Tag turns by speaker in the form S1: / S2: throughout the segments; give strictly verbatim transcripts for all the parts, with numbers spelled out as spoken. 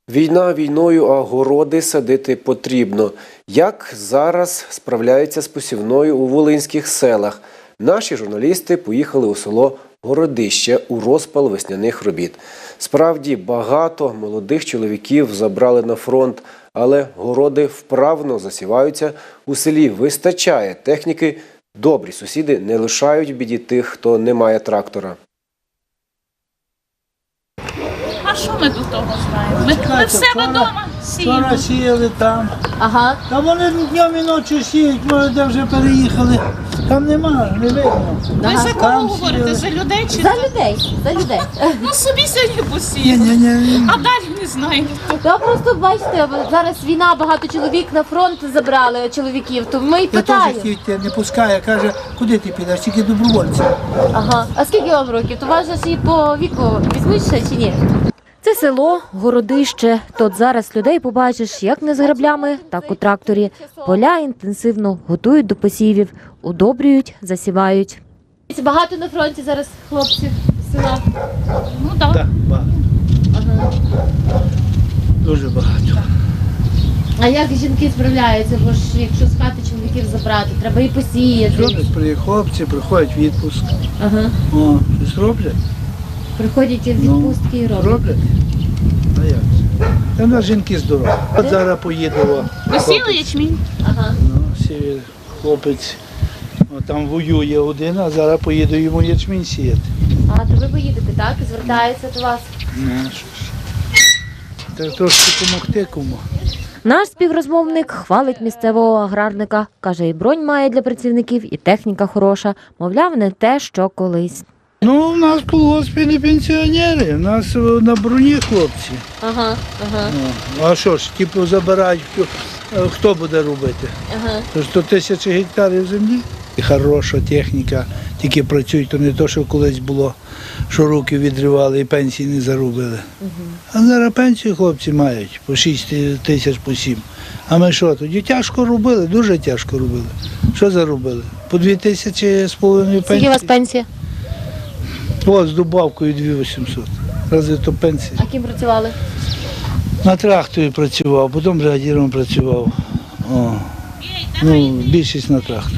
S1: Війна війною, а городи садити потрібно. Як зараз справляються з посівною у волинських селах? Наші журналісти поїхали у село Городище у розпал весняних робіт. Справді, багато молодих чоловіків забрали на фронт, але городи вправно засіваються. У селі вистачає техніки. Добрі сусіди не лишають в біді тих, хто не має трактора.
S2: А що ми до того знаємо? Ми, ми в себе вдома сіємо.
S3: Вчора сіяли там.
S2: Ага.
S3: Та вони днем і ночі сіють, може, де вже переїхали. Там нема, не видно.
S2: Ви за кого
S3: Там
S2: говорите?
S3: сіяли.
S2: За людей чи
S4: За
S2: за...
S4: людей, за людей.
S2: Ну собі сьогодні
S3: Ні,
S2: посіяли.
S3: ні, ні.
S2: А далі не знаю хто.
S4: Та просто бачите, зараз війна, багато чоловік на фронт забрали чоловіків, то ми й
S3: Я теж
S4: питаємо.
S3: хотів йти, не пускає, каже, куди ти підеш, тільки добровольці.
S4: Ага. А скільки вам років? То вас же ж і по віку візьмуть ще чи ні? Це село, Городище. Тут зараз людей побачиш як не з граблями, так у тракторі. Поля інтенсивно готують до посівів, удобрюють, засівають. Багато на фронті зараз хлопців з села.
S2: Ну так.
S3: Так, багато.
S4: Ага.
S3: Дуже багато.
S4: А як жінки справляються? Бо ж якщо з хати чоловіків забрати, треба і посіяти.
S3: Роблять при хлопці, приходять в відпуск.
S4: Ага.
S3: О, щось роблять?
S4: Приходять в
S3: Ну,
S4: відпустки і роблять.
S3: Роблять? А як це? Та в нас жінки здорові. От зараз поїду.
S2: Посіли ячмінь?
S4: Ага.
S3: Ну, сіє хлопець. О, там воює один, а зараз поїду йому ячмінь сіяти.
S4: А то ви поїдете, так? Звертаються до вас.
S3: Ну, що ж. Треба трошки допомогти кому.
S4: Наш співрозмовник хвалить місцевого аграрника. Каже, і бронь має для працівників, і техніка хороша. Мовляв, не те, що колись.
S3: Ну, у нас в колгоспі не пенсіонери, у нас на броні хлопці.
S4: Ага, ага,
S3: Ну, а що ж, типу забирають, хто, хто буде робити?
S4: ага.
S3: Тож сто тисяч гектарів землі. І хороша техніка, тільки працюють, то не то, що колись було, що руки відривали і пенсії не заробили. А зараз пенсію хлопці мають по шість тисяч, по сім. А ми що, тоді тяжко робили, дуже тяжко робили. Що заробили? По дві тисячі з половиною
S4: Скільки у вас
S3: пенсії.
S4: пенсія?
S3: О, з добавкою дві вісімсот. Разве то пенсія?
S4: А ким працювали?
S3: На тракторі працював, потім бригадіром працював. О, ну, більшість на тракторі.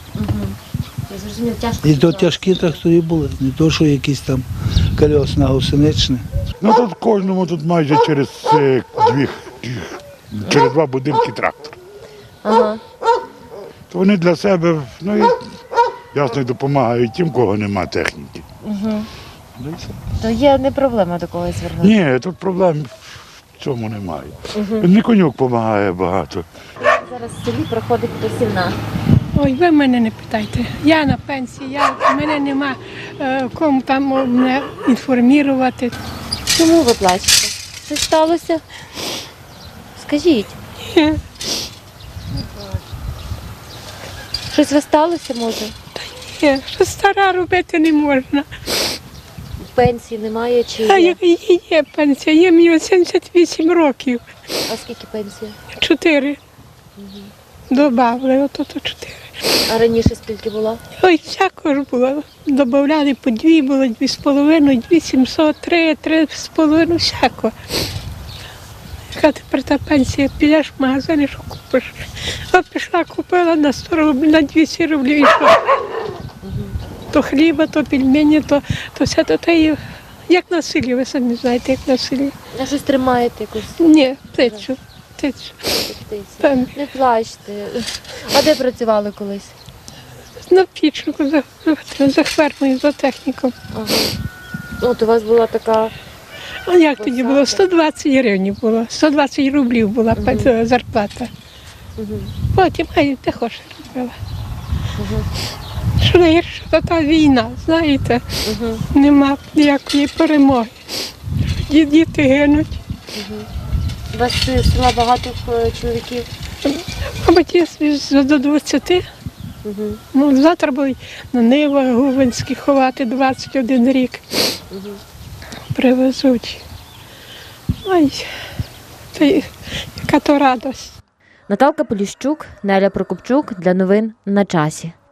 S4: Я зрозумів, тяжко.
S3: І то тяжкі трактори були, не то, що якісь там колесна гусеничні.
S5: Ну тут кожному тут майже через е, дві, через два будинки трактор.
S4: Ага.
S5: То вони для себе, ну і ясно, і допомагають тим, кого немає техніки.
S4: Угу.
S5: Ну, і все.
S4: То є не проблема до когось звернутися.
S5: Ні, тут проблем в цьому немає. Не конюк допомагає багато.
S4: Зараз в селі проходить посівна.
S6: Ой, ви мене не питайте. Я на пенсії, я, мене нема е, кому там мене інформувати.
S4: Чому ви плачете? Що сталося? Скажіть.
S6: Ні.
S4: Щось ви сталося, може?
S6: Ні, що стара робити не можна.
S4: Пенсії немає чи
S6: А
S4: є?
S6: як є, є пенсія, є мені сімдесят вісім років.
S4: А скільки пенсія?
S6: Чотири. Добавили, ото то чотири.
S4: А раніше скільки було?
S6: Ой, всяко ж було. Добавляли по дві, було дві з половиною, дві сімсот, три, три з половиною, всяко. Яка тепер та пенсія, підеш в магазин і що купиш? А пішла, купила на сто рублів, на двісті рублів і що? То хліба, то пельмені, то, то все то те, як на селі, ви самі знаєте, як на селі.
S4: А щось тримаєте якусь
S6: Ні, птицю, птицю.
S4: птицю?
S6: Там,
S4: Не плачте. А де працювали колись?
S6: на пічнику за, за фермою, за техніком.
S4: Ага. От у вас була така.
S6: А як тоді було? сто двадцять гривень було, сто двадцять рублів була uh зарплата.
S4: Угу.
S6: Потім, ай, де хочеш робила.
S4: Угу.
S6: Що найгірше, то та війна, знаєте,
S4: Угу.
S6: нема ніякої перемоги. Ді- Діти гинуть.
S4: У вас з села багато е, чоловіків?
S6: Мабуть, є до двадцяти.
S4: Угу.
S6: Ну, завтра будуть на Нивах Губинські ховати двадцять один рік.
S4: Угу.
S6: Привезуть. Ой, це яка то радость.
S4: Наталка Поліщук, Неля Прокопчук для новин на часі.